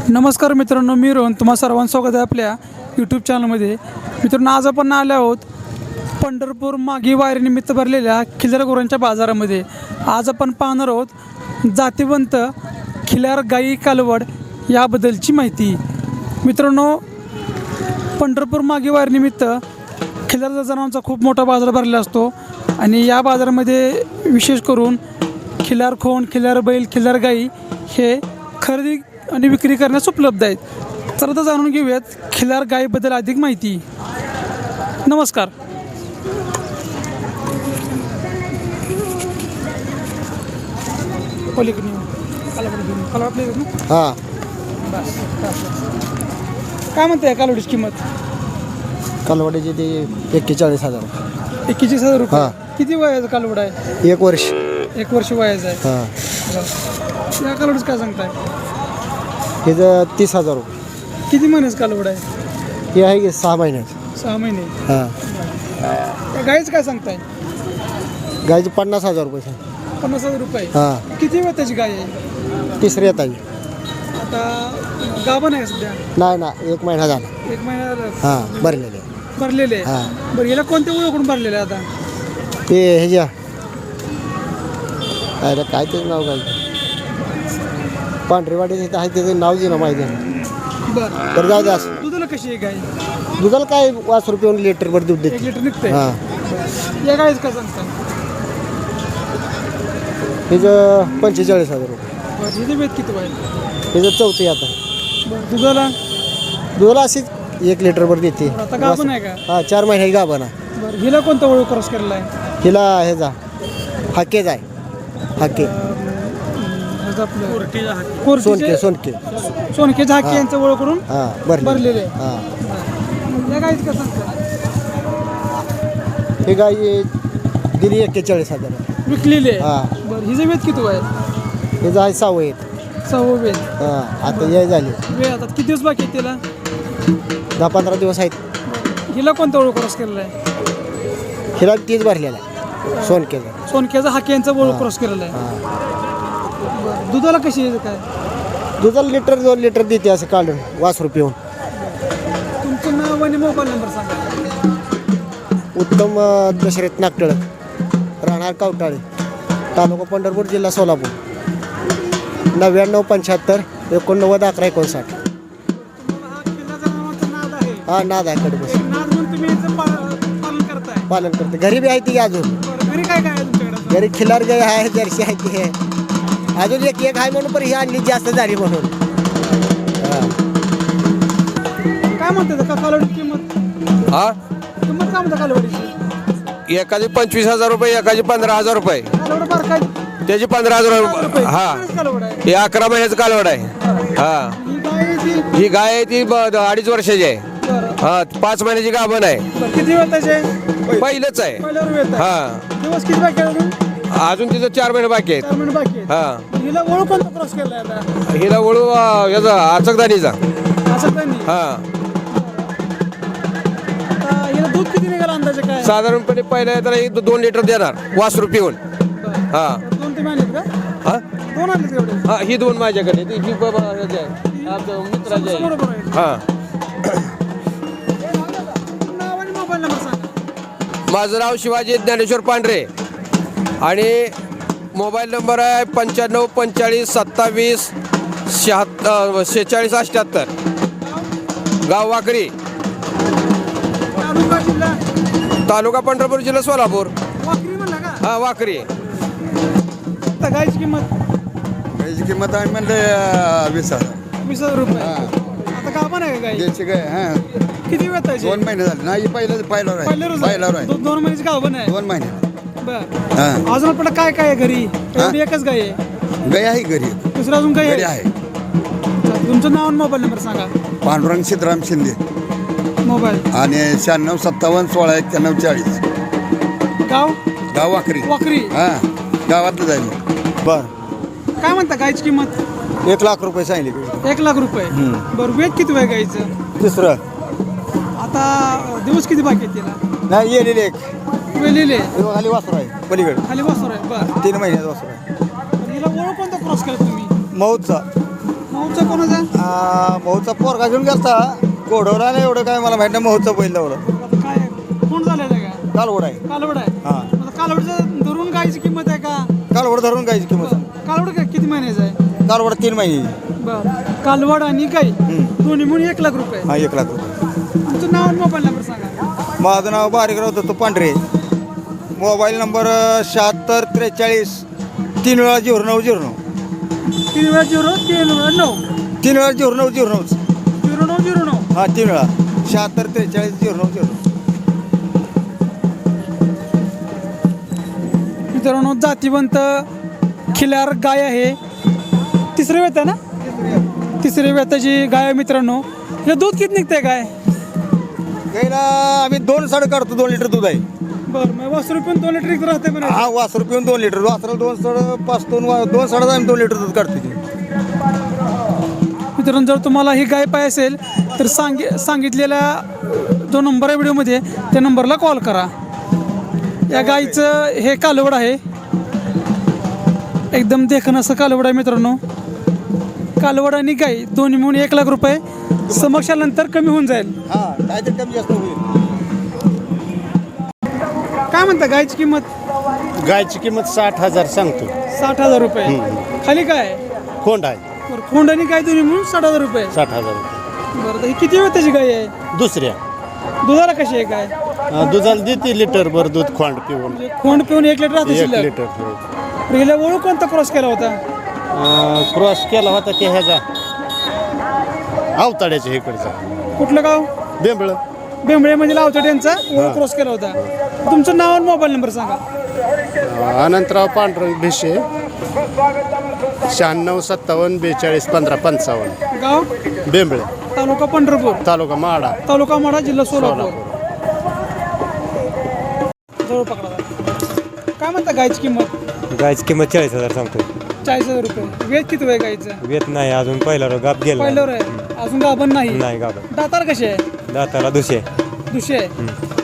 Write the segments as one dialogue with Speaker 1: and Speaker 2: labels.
Speaker 1: नमस्कार मित्रांनो, मी रोहन तुम्हा सर्वांचं स्वागत आहे आपल्या यूट्यूब चॅनलमध्ये. मित्रांनो, आज आपण आले आहोत पंढरपूर मागी वारीनिमित्त भरलेल्या खिल्लार गुरांच्या बाजारामध्ये. आज आपण पाहणार आहोत जातीवंत खिल्लार गाई कालवड याबद्दलची माहिती. मित्रांनो, पंढरपूर मागी वारीनिमित्त खिल्लार जनावरांचा खूप मोठा बाजार भरलेला असतो आणि या बाजारामध्ये विशेष करून खिल्लार खोंड, खिल्लार बैल, खिल्लार गाई हे खरेदी आणि विक्री करण्यास उपलब्ध आहेत. तर आता जाणून घेऊयात खिल्लार गायीबद्दल अधिक माहिती. नमस्कार.
Speaker 2: हां
Speaker 1: काय म्हणते कालवडीची किंमत?
Speaker 2: कालवडीची ती 41,000.
Speaker 1: 41,000 रुपये.
Speaker 2: हां.
Speaker 1: किती वयाचं कालवड आहे?
Speaker 2: 1 वर्ष.
Speaker 1: 1 वर्ष वयाचं आहे.
Speaker 2: हां.
Speaker 1: या कालवडीचं काय सांगताय?
Speaker 2: हिचं 30,000 रुपये.
Speaker 1: किती महिन्याचं कालवड आहे?
Speaker 2: हे आहे की 6 महिन्याचं.
Speaker 1: 6 महिने.
Speaker 2: हां.
Speaker 1: त्या गाईचं काय सांगताय?
Speaker 2: गायची 50,000 रुपये.
Speaker 1: 50,000 रुपये.
Speaker 2: हां.
Speaker 1: किती वेळ त्याची गाय आहे?
Speaker 2: तिसरी येत आहे.
Speaker 1: आता गाभण आहे सध्या?
Speaker 2: नाही ना, 1 महिना झाला.
Speaker 1: 1 महिना झाला.
Speaker 2: हां, भरलेले.
Speaker 1: भरलेले.
Speaker 2: हां.
Speaker 1: बरं, याला कोणत्या ओळखून भरलेले आता?
Speaker 2: ते ह्याच्या अरे काय त्याचं नाव काय पांढरेवाडी तिथं आहे, त्याचं नाव जे ना माहिती आहे.
Speaker 1: बरं.
Speaker 2: तर जाऊ दे असं.
Speaker 1: दुधाला कशी आहे गाय?
Speaker 2: दुधाला काय 5 रुपये लिटरभर दूध
Speaker 1: 1
Speaker 2: देते.
Speaker 1: लिटर निघतंय.
Speaker 2: हां.
Speaker 1: या गायचं काय सांगताय?
Speaker 2: हिचं 45,000 रुपये.
Speaker 1: बरं, हिचं वेद किती आहे?
Speaker 2: हिचं 4थी आता.
Speaker 1: बरं, दुधाला?
Speaker 2: दुधाला अशीच 1 लिटरभर देते.
Speaker 1: आता गाभण आहे का?
Speaker 2: हां, 4 महिन्याची गाभण आहे.
Speaker 1: बरं, हिला कोणता ओळख क्रॉस केलेला आहे?
Speaker 2: हिला ह्याचा हाकेच आहे. हाके
Speaker 1: ह्याचं आपलं
Speaker 2: सोनके
Speaker 1: कोरटीचे-
Speaker 2: सोनके
Speaker 1: सोनके झाकी
Speaker 2: हां.
Speaker 1: यांचं ओळख करून
Speaker 2: हां
Speaker 1: भरलेले.
Speaker 2: हां.
Speaker 1: या गायचं काय सांगताय?
Speaker 2: ही गाय दिली 41,000.
Speaker 1: विकलेली आहे.
Speaker 2: हां.
Speaker 1: बरं, हिचं वेद किती आहे?
Speaker 2: हिचं आहे 6 आहेत.
Speaker 1: 6 वेद.
Speaker 2: हां, आता याय झाली.
Speaker 1: वेळ आता किती दिवस बाकी आहे तिला?
Speaker 2: 10-15 दिवस आहेत.
Speaker 1: हिला कोणता ओळख क्रॉस केलेला आहे?
Speaker 2: हिला तीच भरलेला आहे सोनकेचा.
Speaker 1: सोनक्याचा हाकी यांचा ओळख क्रॉस केलेला आहे.
Speaker 2: हां.
Speaker 1: बरं, दुधाला कशी आहे काय?
Speaker 2: दुधाला 2 लिटर देते असं काढून 5 रुपये होऊन.
Speaker 1: तुमचं नाव आणि मोबाईल नंबर सांगा.
Speaker 2: उत्तम दशरथ नागटळ, राहणार कावटाळे, तालुका पंढरपूर, जिल्हा सोलापूर. 9975 89 11 59.
Speaker 1: तुम्हाला हा किल्ला जनावरांचा नाद आहे.
Speaker 2: हा, नाद आहे कडे बस.
Speaker 1: नाद म्हणून तुम्ही याचं पालन करताय.
Speaker 2: पालन करते. घरी बी आहे ती अजून.
Speaker 1: बरं, घरी काय काय आहे तुमच्याकडे?
Speaker 2: घरी खिल्लार गाय आहे, जर्सी आहे ती आहे. अजून एक आहे म्हणून, पण ही आणली जास्त झाली म्हणून. हां.
Speaker 1: काय म्हणते का कालवडीची किंमत?
Speaker 3: हा,
Speaker 1: किंमत काय म्हणता कालवडीची?
Speaker 3: एकाची 25,000 रुपये, एकाची 15,000 रुपये,
Speaker 1: कालवड बार काय?
Speaker 3: त्याची 15,000 रुपये. हा,
Speaker 1: कालवड आहे.
Speaker 3: हे 11 महिन्याचं कालवड आहे. हा,
Speaker 1: ही गाय आहे ती?
Speaker 3: ही गाय आहे ती 2.5 वर्षाची आहे.
Speaker 1: बरं.
Speaker 3: हा, 5 महिन्याची गाभण आहे.
Speaker 1: बरं, किती वेळ त्याचे?
Speaker 3: पहिलंच आहे.
Speaker 1: पहिल्यावर वेळ आहे.
Speaker 3: हा,
Speaker 1: दिवस किती बाकी आहे अजून?
Speaker 3: अजून तिचं 4 महिने बाकी आहेत.
Speaker 1: 4 महिने बाकी आहे.
Speaker 3: हा,
Speaker 1: हिला ओळख कोणता क्रॉस केलाय आता?
Speaker 3: हिला वळू याचा आचकदानीचा.
Speaker 1: असं काही नाही.
Speaker 3: हा,
Speaker 1: आता हिला दूध किती निघाला अंदाजे काय?
Speaker 3: साधारणपणे पहिल्या तर 2 लिटर देणार वासरू पिऊन.
Speaker 1: बरं.
Speaker 3: हा,
Speaker 1: 2-3 आणलेत का?
Speaker 3: हा,
Speaker 1: 2 आणलेत एवढे?
Speaker 3: हा, ही 2 माझ्याकडे, ही बाबा ह्याची आहे, आमच्या मित्राची आहे.
Speaker 1: बरोबर आहे.
Speaker 3: हा,
Speaker 1: नाव आणि मोबाईल नंबर सांगा.
Speaker 3: माझं नाव शिवाजी ज्ञानेश्वर पांढरे आणि मोबाईल नंबर आहे 95 45 27 46 78. गाव वाकरी,
Speaker 1: तालुका जिल्हा
Speaker 3: तालुका पंढरपूर, जिल्हा सोलापूर.
Speaker 1: वाकरी म्हणला का?
Speaker 3: हा, वाकरी.
Speaker 1: आता गायची किंमत
Speaker 4: गायची किंमत आहे म्हणले 20,000.
Speaker 1: 20,000 रुपये. आता का पण आहे का गाय?
Speaker 4: द्यायची काय हां,
Speaker 1: किती वेळ त्याची?
Speaker 4: 2 महिने झाले. नाही, पहिल्यावर आहे. पहिल्यावर आहे.
Speaker 1: 2 महिन्याची गाव पण आहे.
Speaker 4: 2 महिने.
Speaker 1: बरं.
Speaker 4: हां,
Speaker 1: अजून आपल्याला काय काय आहे घरी? एवढी एकच गाय आहे?
Speaker 4: गाय आहे घरी.
Speaker 1: दुसरं अजून काय
Speaker 4: घरी आहे.
Speaker 1: तुमचं नाव आणि मोबाईल नंबर सांगा.
Speaker 4: पांडुरंग सीताराम शिंदे
Speaker 1: मोबाईल.
Speaker 4: आणि 96 57 16 91 40.
Speaker 1: गाव
Speaker 4: गाव वाकरी.
Speaker 1: वाकरी.
Speaker 4: हां, गावातलं जाईल.
Speaker 2: बरं.
Speaker 1: काय म्हणता गायची किंमत?
Speaker 2: 1 लाख रुपये सांगितले.
Speaker 1: 1 लाख रुपये. बरं, वेद किती वेळ गायचं?
Speaker 2: तिसरं
Speaker 1: आता दिवस किती बाकी आहेत तिला?
Speaker 2: नाही, येलेले एक
Speaker 1: वेलेले
Speaker 2: खाली वासरू आहे पलीकडे.
Speaker 1: खाली बसवर आहे. बरं,
Speaker 2: 3 महिन्याचा वासरू आहे.
Speaker 1: हिला ओळख कोणता क्रॉस केला तुम्ही?
Speaker 2: मौतचा.
Speaker 1: भाऊचा कोणाचा
Speaker 4: भाऊचा पोरगा घेऊन गेलता घोडवला नाही एवढं काय मला माहिती नाही भाऊचं बैल एवढं
Speaker 1: आता काय कोण झालेलं आहे का
Speaker 4: कालवड आहे
Speaker 1: कालवड आहे
Speaker 4: हां
Speaker 1: आता कालवडचं धरून गायची किंमत आहे का
Speaker 4: कालवड धरून गायची किंमत
Speaker 1: कालवड काय किती महिन्याचं आहे
Speaker 4: कालवड 3 महिने
Speaker 1: बरं कालवड आणि गाई दोन्ही मिळून 1 लाख रुपये
Speaker 4: हा 1 लाख रुपये
Speaker 1: तुमचं नाव आणि मोबाईल नंबर सांगा
Speaker 4: माझं नाव बारीकराव दत्तू पांढरे मोबाईल नंबर 7643 3 वेळा 0909
Speaker 1: 3 वेळा 0
Speaker 4: 3 वेळा 0909
Speaker 1: 0909
Speaker 4: हा 3 वेळा 7643 0909
Speaker 1: मित्रांनो जातीवंत खिलार गाय आहे तिसऱ्या वेत आहे ना तिसऱ्या वेताची गाय आहे मित्रांनो हे दूध किती निघतंय गाय
Speaker 4: गाईला आम्ही 2 साडे काढतो 2 लिटर दूध आहे
Speaker 1: बरं मग वासरू पण 2 लिटर इकडे राहते पण
Speaker 4: हा वासरू पिऊन 2 लिटर वासराला 2 साडे 5 2 साडे आम्ही 2 लिटर दूध काढतो ती
Speaker 1: मित्रांनो जर तुम्हाला ही गाय पाहिजे असेल तर सांगितलेला जो नंबर आहे व्हिडिओमध्ये त्या नंबरला कॉल करा या गाईचं हे कालवड आहे एकदम देखणं असं कालवड आहे मित्रांनो कालवड आणि गाई दोन्ही मिळून 1 लाख रुपये समक्षानंतर कमी होऊन जाईल
Speaker 4: हा काहीतरी कमी जास्त होईल
Speaker 1: काय म्हणता गायची किंमत
Speaker 5: गायची किंमत 60,000 सांगतो
Speaker 1: 60,000 रुपये खाली काय
Speaker 5: कोंड आहे
Speaker 1: बरं खोंड आणि गाय दोन्ही मिळून 60,000 रुपये
Speaker 5: 60,000 रुपये
Speaker 1: बरं तर ही किती वेळ त्याची गाय आहे
Speaker 5: दुसऱ्या
Speaker 1: दुधाला कशी आहे गाय
Speaker 5: दुधाला देते लिटर भर दूध खोंड पिऊन
Speaker 1: म्हणजे खोंड पिऊन 1 लिटर राहते
Speaker 5: 1
Speaker 1: शिल्लक
Speaker 5: लिटर
Speaker 1: पहिला ओळख कोणता क्रॉस केला होता
Speaker 5: क्रॉस केला होता ते ह्याचा अवताड्याच्या इकडचा
Speaker 1: कुठलं गाव
Speaker 5: बेंबळ
Speaker 1: बेंबळे म्हणजे लावतो त्यांचा ओळख क्रॉस केला होता तुमचं नाव आणि मोबाईल नंबर सांगा
Speaker 5: अनंतराव पांडुरंग भिशे 96 57 42 15 55
Speaker 1: गाव
Speaker 5: बेंबळे
Speaker 1: तालुका पंढरपूर
Speaker 5: तालुका माडा
Speaker 1: तालुका माढा जिल्हा सोलापूर जवळ पकडा काय म्हणता गायची किंमत
Speaker 6: गायची किंमत 40,000 सांगतो
Speaker 1: 40,000 रुपये वेद किती आहे गायचं
Speaker 6: वेत नाही अजून पहिला गाप गेला
Speaker 1: पहिल्यावर आहे अजून गाभण नाही
Speaker 6: नाही गाप
Speaker 1: दातार कसे आहे
Speaker 6: दाताला दुसरे
Speaker 1: दुसरे आहे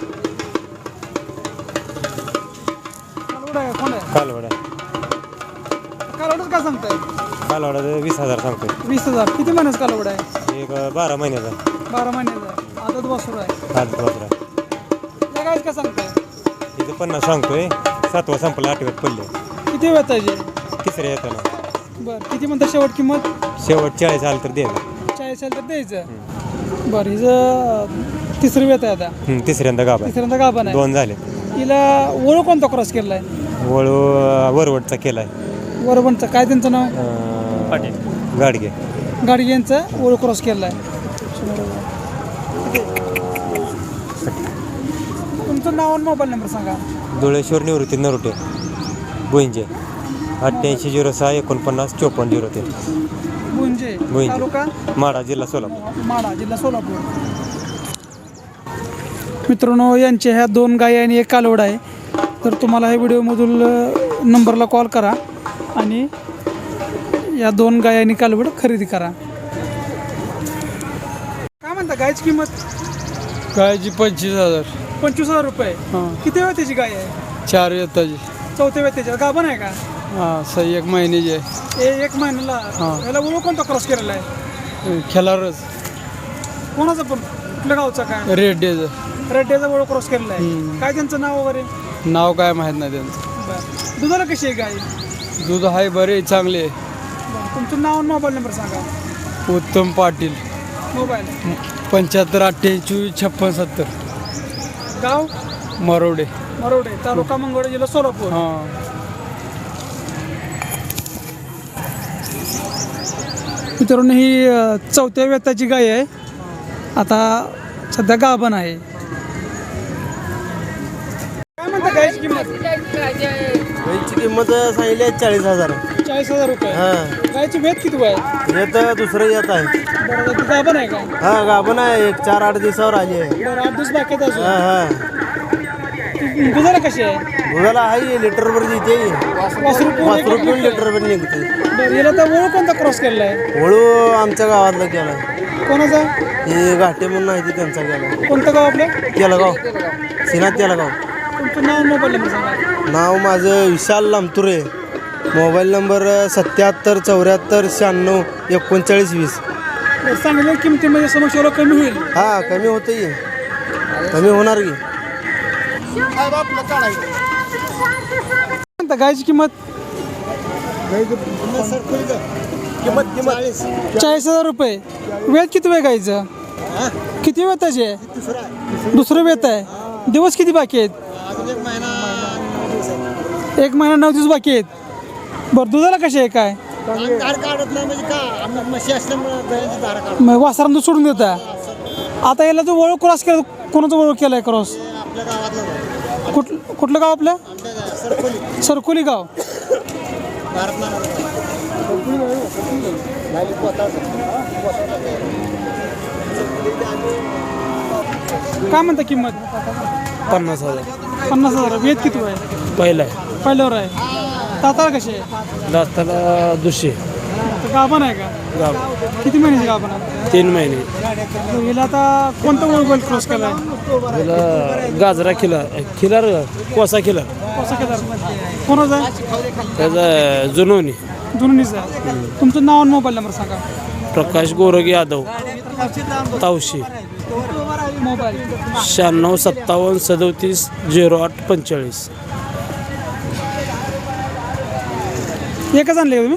Speaker 1: कालवड आहे कोण आहे
Speaker 6: कालवडा
Speaker 1: कालवडच काय सांगताय
Speaker 6: कालवडा 20,000 सांगतो
Speaker 1: 20,000 किती महिन्याचं कालवड आहे
Speaker 6: एक 12 महिन्याचा
Speaker 1: 12 महिन्याचा आदत वासरू आहे
Speaker 6: हात वापरा
Speaker 1: या गायच काय सांगताय
Speaker 6: इथं 50 सांगतोय 7वा संपला 8व्यात पडले
Speaker 1: किती वेळ पाहिजे
Speaker 6: तिसऱ्या येताना
Speaker 1: बरं किती म्हणता शेवट किंमत
Speaker 6: शेवट 40 आलं तर द्यायचं
Speaker 1: 40,000 तर द्यायचं बरं हिचं तिसरी वेत आहे आता
Speaker 6: तिसऱ्यांदा गाप आहे
Speaker 1: तिसऱ्यांदा गाभण आहे
Speaker 6: 2 झाले
Speaker 1: हिला ओळख कोणता क्रॉस केला आहे
Speaker 6: वळू वरवटचा केलाय
Speaker 1: वरबणचं काय त्यांचं नाव
Speaker 6: गाडगे
Speaker 1: गाडी यांचं ओळख क्रॉस केला आहे तुमचं नाव आणि मोबाईल नंबर सांगा
Speaker 6: धुळेश्वर निवृत्ती नरोटे बोईंजे 8806 49 54 03
Speaker 1: गुंजे
Speaker 6: गुंजे.
Speaker 1: तालुका
Speaker 6: माडा जिल्हा सोलापूर
Speaker 1: माढा जिल्हा सोलापूर मित्रांनो यांच्या ह्या 2 गायी आणि 1 कालवड आहे तर तुम्हाला ह्या व्हिडिओमधून नंबरला कॉल करा आणि या 2 गायी आणि कालवड खरेदी करा काय म्हणता गायची किंमत
Speaker 3: गायची 25,000
Speaker 1: 25,000 रुपये किती वेळ त्याची गाय आहे
Speaker 3: 4 येताची
Speaker 1: 4थ्या वेळ त्याच्यात गाभण आहे का
Speaker 3: हां 1 महिन्याची आहे
Speaker 1: 1 महिन्याला याला ओळख कोणता क्रॉस केलेला आहे
Speaker 3: खेळारच
Speaker 1: कोणाचं पण कुठल्या गावचा काय
Speaker 3: रेड्डेचं
Speaker 1: रेड्ड्याचा ओळख क्रॉस केलेला आहे काय त्यांचं नाव वगैरे
Speaker 3: नाव काय माहीत नाही त्यांचं
Speaker 1: बरं दुधाला कशी आहे गाय
Speaker 3: दूध आहे बरे चांगले आहे
Speaker 1: बरं तुमचं नाव आणि मोबाईल नंबर सांगा
Speaker 3: उत्तम पाटील
Speaker 1: मोबाईल
Speaker 3: 75 28 56 70
Speaker 1: गाव
Speaker 3: मरोडे
Speaker 1: मरोडे तालुका मंगळ जिल्हा सोलापूर
Speaker 3: हां
Speaker 1: मित्रांनो ही 4थ्या वेताची गाय आहे आता सध्या गाभण आहे काय म्हणता गायची किंमत
Speaker 2: गाईची किंमत सांगितली आहे 40,000
Speaker 1: 40,000 रुपये
Speaker 2: हां
Speaker 1: गायची वेत किती आहे
Speaker 2: हे तर दुसरं येत आहे
Speaker 1: बरं ती गाभण आहे का
Speaker 2: हा गाभण आहे एक 4-8 दिवसावर आली आहे
Speaker 1: बरं 8 दिवस बाकी आहेत
Speaker 2: हा
Speaker 1: अजून
Speaker 2: हा
Speaker 1: दुधाला कशी आहे
Speaker 2: दुधाला आहे लिटरभर देते
Speaker 1: वासरू पिऊन
Speaker 2: 5 रुपये लिटरभर निघते
Speaker 1: बरं याला तर ओळख कोणता क्रॉस केलेला आहे
Speaker 2: वळू आमच्या गावातला केला
Speaker 1: कोणाचा
Speaker 2: हे घाटे म्हणून आहे ते त्यांचा केला
Speaker 1: कोणतं गाव आपलं
Speaker 2: केलगाव सिनात केलगाव
Speaker 1: तुमचं नाव मोबाईल नंबर सांगा
Speaker 2: नाव माझं विशाल लामतुरे
Speaker 7: मोबाईल नंबर 77 74 96 39 20.
Speaker 1: चांगल्या किमतीमध्ये समोर कमी होईल.
Speaker 7: हा कमी होतं की कमी होणार की.
Speaker 1: म्हणता गायची किंमत 40,000 रुपये. वेळ किती वेळ गायचं? किती वेळ त्याचे? दुसरं वेत आहे. दिवस किती बाकी आहेत? 1 महिना 9 दिवस बाकी आहेत. बरं दुधाला कसे आहे काय? मग वासरांना सोडून देता. आता याला जो वळू क्रॉस केला, कोणाचा वळू केलाय क्रॉस? कुठलं गाव आपलं? सरकोली गाव. काय म्हणता किंमत?
Speaker 7: 50,000.
Speaker 1: 50,000. वेद किती आहे?
Speaker 7: पहिला आहे.
Speaker 1: पहिल्यावर आहे. दाताला कसे आहे?
Speaker 7: दाताला 200.
Speaker 1: गाभण आहे का?
Speaker 7: गाव
Speaker 1: किती महिन्याची गाभण आहे?
Speaker 7: 3 महिने.
Speaker 1: हिला आता कोणता वळू क्रॉस केलाय?
Speaker 7: त्याला गाजरा खिलार कोसा खिलार.
Speaker 1: कसा केला? कोणाचा आहे?
Speaker 7: त्याचा जुनोनी.
Speaker 1: जुनीचा. तुमचं नाव आणि मोबाईल नंबर सांगा.
Speaker 7: प्रकाश गोरग यादव तावशी.
Speaker 1: मोबाईल
Speaker 7: 96 57 37 08 45.
Speaker 1: एकच आणले का तुम्ही?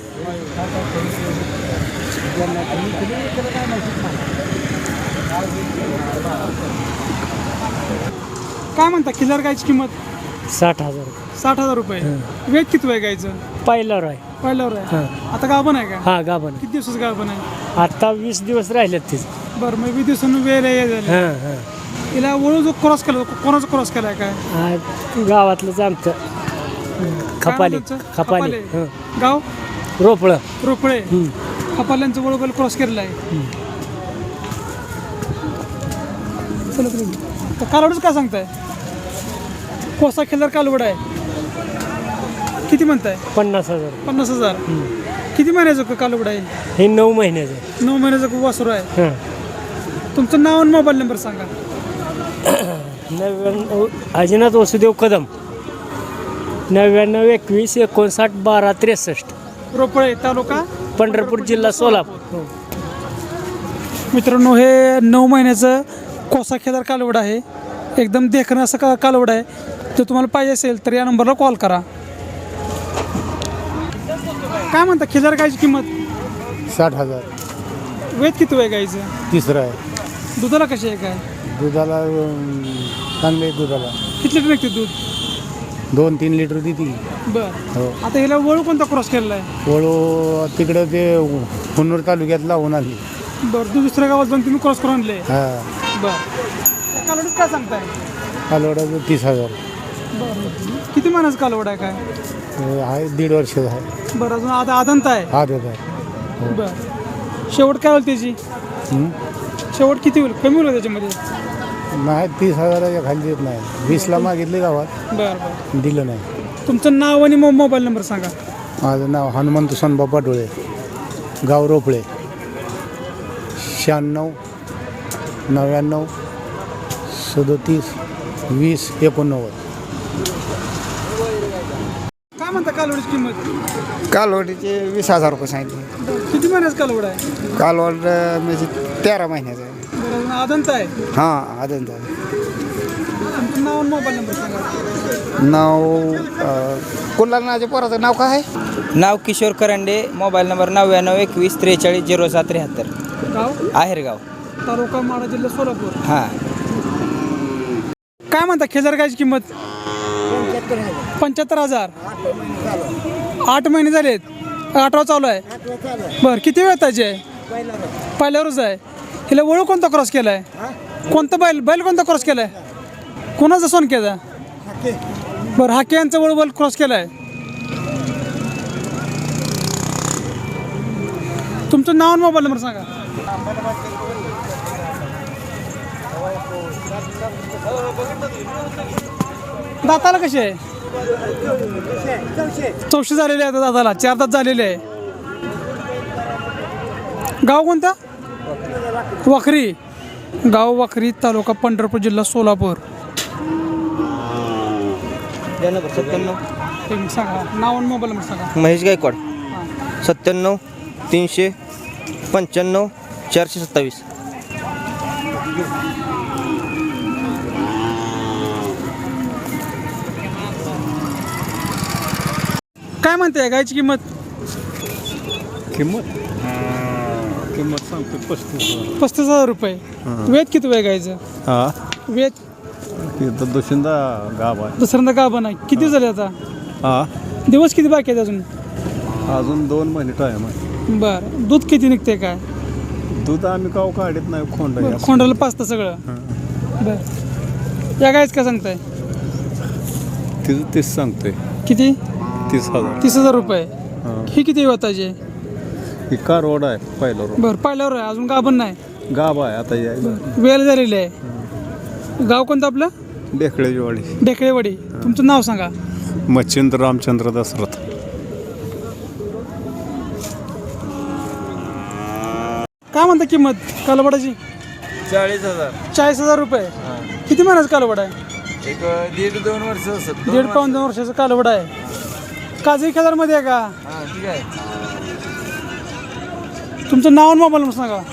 Speaker 1: काय म्हणता खिल्लार गायची किंमत?
Speaker 7: 60,000.
Speaker 1: 60,000 रुपये. वेट किती आहे गायचं?
Speaker 7: पहिल्यावर आहे.
Speaker 1: पहिल्यावर आहे. आता गाभण आहे का?
Speaker 7: हा गाभण.
Speaker 1: किती दिवसाचं गाभण आहे?
Speaker 7: आता 20 दिवस राहिलेत तिथे.
Speaker 1: बरं मग 20 दिवसांनी वेळ आहे झाली. हिला वळू जो क्रॉस केला, कोणाचा क्रॉस केलाय काय?
Speaker 7: गावातलंच आमचं खपाली.
Speaker 1: काय म्हणतात? खपाले. गाव
Speaker 7: रोपळं.
Speaker 1: रोपळे. खपाल्यांचं वळू क्रॉस केलेला आहे. चला तर कालवडच काय सांगताय? कोसा खिल्लार कालवड आहे. किती म्हणताय?
Speaker 7: 50,000.
Speaker 1: 50,000. किती महिन्याचं कालवड आहे?
Speaker 7: हे 9 महिन्याचं.
Speaker 1: 9 महिन्याचं वासरू आहे. तुमचं नाव आणि मोबाईल नंबर सांगा.
Speaker 7: 99 अजिनाथ वसुदेव कदम. 99 21 59 12 63.
Speaker 1: रोपळे तालुका
Speaker 7: पंढरपूर जिल्हा सोलापूर.
Speaker 1: मित्रांनो हे 9 महिन्याचं कोसा खिल्लार कालवड आहे. एकदम देखणं असं कालवड आहे. जर तुम्हाला पाहिजे असेल तर या नंबरला कॉल करा. काय म्हणता खिल्लार गायची किंमत?
Speaker 5: 60,000.
Speaker 1: वेद किती आहे गायचं?
Speaker 5: तिसरं आहे.
Speaker 1: दुधाला कशी आहे काय?
Speaker 5: दुधाला चांगले दुधाला
Speaker 1: किती लिटर निघते दूध?
Speaker 5: 2-3 लिटर देते.
Speaker 1: बरं.
Speaker 5: हो.
Speaker 1: आता हिला वळू कोणता क्रॉस केलेला आहे?
Speaker 5: वळू तिकडं ते हुन्नूर तालुक्यात लावून आली.
Speaker 1: बरं तू दुसऱ्या गावात जाऊन तुम्ही क्रॉस करून आणले.
Speaker 5: हा
Speaker 1: बरं कालवडीत काय सांगताय?
Speaker 5: कालवडाचं 30,000.
Speaker 1: बरं किती महिन्याचं कालवड आहे काय?
Speaker 5: आहे 1.5 वर्षाचं आहे.
Speaker 1: बरं अजून आता आदंत आहे.
Speaker 5: हा देत आहे.
Speaker 1: बरं शेवट काय होईल त्याची? शेवट किती होईल? कमी होईल त्याच्यामध्ये?
Speaker 5: नाही 30,000च्या खाली देत नाही. 20ला मागितले गावात.
Speaker 1: बरं बरं
Speaker 5: दिलं नाही.
Speaker 1: तुमचं नाव आणि मोबाईल नंबर सांगा.
Speaker 5: माझं नाव हनुमंत सोनबाबा डोळे, गाव रोपळे. 96 99 37 20 89.
Speaker 1: काय म्हणता कालवडीची किंमत?
Speaker 4: कालवडीचे 20,000 रुपये सांगितले.
Speaker 1: किती महिन्याचं कालवड आहे?
Speaker 4: कालवड म्हणजे 13 महिन्याचं आहे.
Speaker 1: बरं अजून आदंत आहे.
Speaker 4: हां आदंत आहे.
Speaker 1: तुमचं नाव आणि मोबाईल नंबर सांगा.
Speaker 4: नाव कुल्हारनाच्या पोराचं नाव काय आहे?
Speaker 8: नाव किशोर करंडे. Mobile number 99 21 43 07 73.
Speaker 1: गाव
Speaker 8: आहेरगाव
Speaker 1: तालुका माडा जिल्हा सोलापूर.
Speaker 8: हां.
Speaker 1: काय म्हणता खिल्लार गायची किंमत? 75,000. 8 महिने झालेत. 8वा चालू आहे. बरं किती वेळ त्याची आहे? पहिल्यावरच आहे. हिला वळू कोणता क्रॉस केला आहे? कोणता बैल कोणता क्रॉस केला आहे? कोणाचा सोन केला? बरं हाके यांचा वळू क्रॉस केला आहे. तुमचं नाव आणि मोबाईल नंबर सांगा. दाताला कसे आहे? 400 झालेले आहे दाताला. 4 दात झालेले आहे. गाव कोणता? वाखरी. गाव वाखरी तालुका पंढरपूर जिल्हा सोलापूर. एक मिनिट सांगा नाव आणि मोबाईल नंबर सांगा.
Speaker 7: महेश गायकवाड 97 395 427.
Speaker 1: काय म्हणते गायची किंमत?
Speaker 5: किंमत सांगतो 35,000.
Speaker 1: 35,000 रुपये. वेद किती वेळ गायचं?
Speaker 5: हा
Speaker 1: वेद
Speaker 5: इथं दुसऱ्यांदा गाव आहे.
Speaker 1: दुसऱ्यांदा गाभा नाही. किती झाले आता?
Speaker 5: हा
Speaker 1: दिवस किती बाकी आहेत अजून?
Speaker 5: अजून 2 महिने टाईम आहे.
Speaker 1: बरं दूध किती निघते काय?
Speaker 5: दूध आम्ही काव काढत नाही खोंड
Speaker 1: बरं, खोंडाला पाचतं सगळं. बरं या गायच काय सांगताय?
Speaker 5: तिचं 30 सांगतोय.
Speaker 1: किती?
Speaker 5: 30,000.
Speaker 1: 30,000 रुपये. ही किती वाताची?
Speaker 5: ही कारवाड आहे पहिला रोड.
Speaker 1: बरं पहिल्यावर आहे अजून गाभण नाही.
Speaker 5: गाव आहे आता यायला.
Speaker 1: वेळ झालेली आहे. गाव कोणतं आपलं?
Speaker 5: डेकळेची वाडी.
Speaker 1: ढेकळेवाडी. तुमचं नाव सांगा.
Speaker 5: मच्छिंद्र रामचंद्र दसरथ.
Speaker 1: काय म्हणता किंमत कालवडाची?
Speaker 3: 40,000.
Speaker 1: 40,000 रुपये. किती महिन्याचं कालवड आहे?
Speaker 3: एक 1.5-2 वर्ष असत.
Speaker 1: 1.5-2 वर्षाचं कालवड आहे. काजळी खेळामध्ये आहे का?
Speaker 3: हा ठीक आहे.
Speaker 1: तुमचं नाव आणि मोबाईल नंबर सांगा.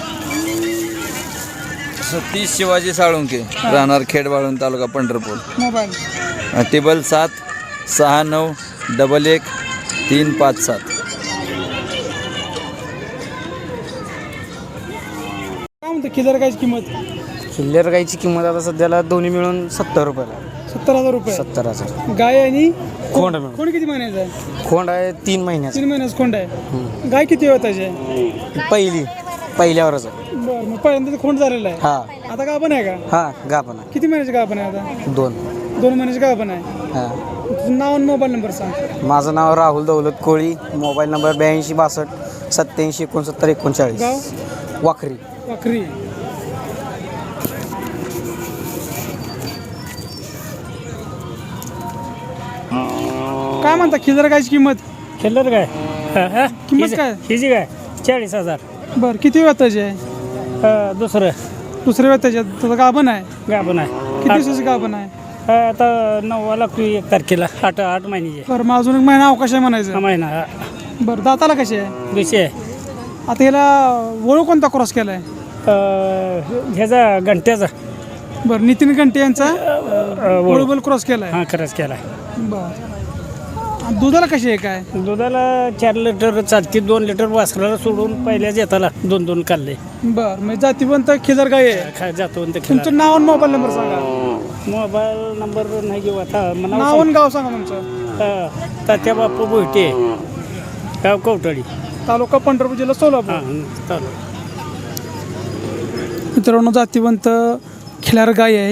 Speaker 3: सतीश शिवाजी साळुंके राहणार खेडबाळून तालुका पंढरपूर.
Speaker 1: मोबाईल
Speaker 3: टेबल 769 11 357.
Speaker 1: काय म्हणतं खिल्लार गायची किंमत?
Speaker 8: किल्लेर गाईची किंमत आता सध्याला दोन्ही मिळून 70 रुपयाला.
Speaker 1: 70,000 रुपये.
Speaker 8: 70,000.
Speaker 1: गाय आणि
Speaker 8: खोंड मिळून.
Speaker 1: कोण किती महिन्याचं आहे?
Speaker 8: खोंड आहे 3 महिन्याचं.
Speaker 1: 3 महिन्याचं खोंड आहे. गाय किती वेताची आहे?
Speaker 8: पहिल्यावरच आहे.
Speaker 1: बरं मग पहिल्यांदा तर खोंड झालेला आहे.
Speaker 8: हा
Speaker 1: आता गाभण आहे का?
Speaker 8: हा गाभण आहे.
Speaker 1: किती महिन्याची गाभण आहे आता?
Speaker 8: 2.
Speaker 1: 2 महिन्याची गाभण आहे.
Speaker 8: हा.
Speaker 1: तुझं नाव आणि मोबाईल नंबर सांग.
Speaker 8: माझं नाव राहुल दौलत कोळी. Mobile number 82 62 87 69 39.
Speaker 1: गाव
Speaker 8: वाखरी.
Speaker 1: वाखरी. काय म्हणता खिल्लार गायची किंमत?
Speaker 9: खेळलं काय
Speaker 1: किंमत काय?
Speaker 9: हिची काय 40,000.
Speaker 1: बरं किती वेताची आहे?
Speaker 9: दुसरं
Speaker 1: दुसऱ्या वेताची आहे. तुझं गाभण आहे.
Speaker 9: गाभण आहे.
Speaker 1: किती दिवसाची गाभण आहे?
Speaker 9: आता 9 लागतो 1 तारखेला 8 महिन्याचे.
Speaker 1: बरं मग अजून एक महिना अवकाश आहे म्हणायचं.
Speaker 9: महिना हा.
Speaker 1: बरं दाताला कशी आहे?
Speaker 9: विषय
Speaker 1: आता ह्याला वळू कोणता क्रॉस केला आहे?
Speaker 9: ह्याचा घंट्याचा
Speaker 1: बरं नितीन घंटे यांचा वळूबल क्रॉस केला आहे.
Speaker 9: हा खरंच केला.
Speaker 1: बरं आणि दुधाला कशी आहे काय?
Speaker 9: दुधाला 4 लिटर चालते. 2 लिटर वासराला सोडून पहिल्याच येताला 2 काढले.
Speaker 1: बरं म्हणजे जातीवंत खिल्लार गाय आहे.
Speaker 9: जातो
Speaker 1: तुमचं नाव आणि मोबाईल नंबर सांगा.
Speaker 9: मोबाईल नंबर नाही घेऊ आता.
Speaker 1: नाव आणि गाव सांगा तुमचं.
Speaker 9: तात्या बापू भोईटे गाव कवटळी
Speaker 1: तालुका पंढरपूर जिल्हा सोलापूर.
Speaker 9: हां चालू.
Speaker 1: मित्रांनो जातीवंत खिल्लार गाय आहे.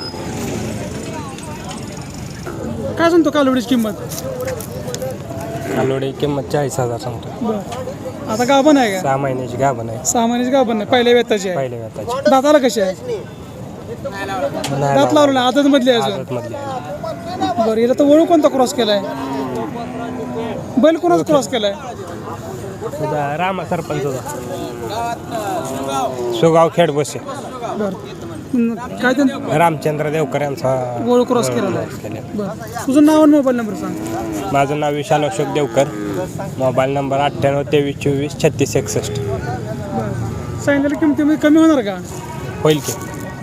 Speaker 1: काय सांगतो कालवडीची किंमत?
Speaker 6: कालवडी किंमत 40,000 सांगतो.
Speaker 1: बरं आता गाभण आहे का?
Speaker 6: 6 महिन्याची गाभण आहे.
Speaker 1: 6 महिन्याची गाभण आहे. पहिल्या वेताची आहे.
Speaker 6: पहिल्या व्यताची.
Speaker 1: दाताला कशी आहे? दात लावलं नाही आदत मधली आहे अजून.
Speaker 6: मधली आहे.
Speaker 1: बरं हिला तर वळू कोणता क्रॉस केलाय? बैल कोणाचा क्रॉस केलाय?
Speaker 6: तुझा रामा सरपंच होता. सुगाव खेड बसे.
Speaker 1: बरं काय ते
Speaker 6: रामचंद्र देवकर यांचा
Speaker 1: वळू क्रॉस केलेला आहे. बरं तुझं नाव आणि मोबाईल नंबर सांग.
Speaker 6: माझं नाव विशाल अशोक देवकर. Mobile number 98 23 24 36 61.
Speaker 1: बरं सांगितलेल्या किमतीमध्ये कमी होणार का?
Speaker 6: होईल की.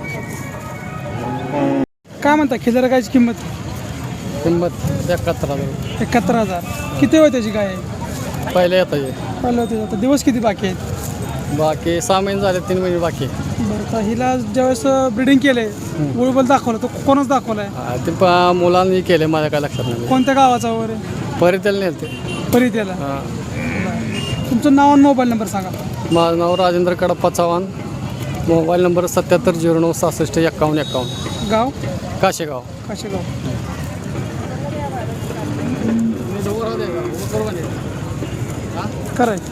Speaker 1: काय म्हणता खिल्लार गायची किंमत?
Speaker 5: किंमत 71,000.
Speaker 1: 71,000. किती वेळ त्याची गाय आहे?
Speaker 5: पहिल्या येता
Speaker 1: पहिलं होते आता दिवस किती बाकी आहेत?
Speaker 5: बाकी 6 महिने झाले. 3 महिने बाकी.
Speaker 1: बरं तर हिला ज्यावेळेस ब्रिडिंग केलंय वळूबल दाखवलं तो कोणाच दाखवलाय?
Speaker 5: ते मुलांनी केले माझ्या काय लक्षात नाही.
Speaker 1: कोणत्या गावाचा वगैरे?
Speaker 5: परित्याला नेलते.
Speaker 1: परित्याला. तुमचं नाव आणि मोबाईल नंबर सांगा.
Speaker 5: माझं नाव राजेंद्र कडप्पा चव्हाण. Mobile number 77 09 66 51 51.
Speaker 1: गाव?
Speaker 5: काशेगाव.
Speaker 1: काशेगाव. कराय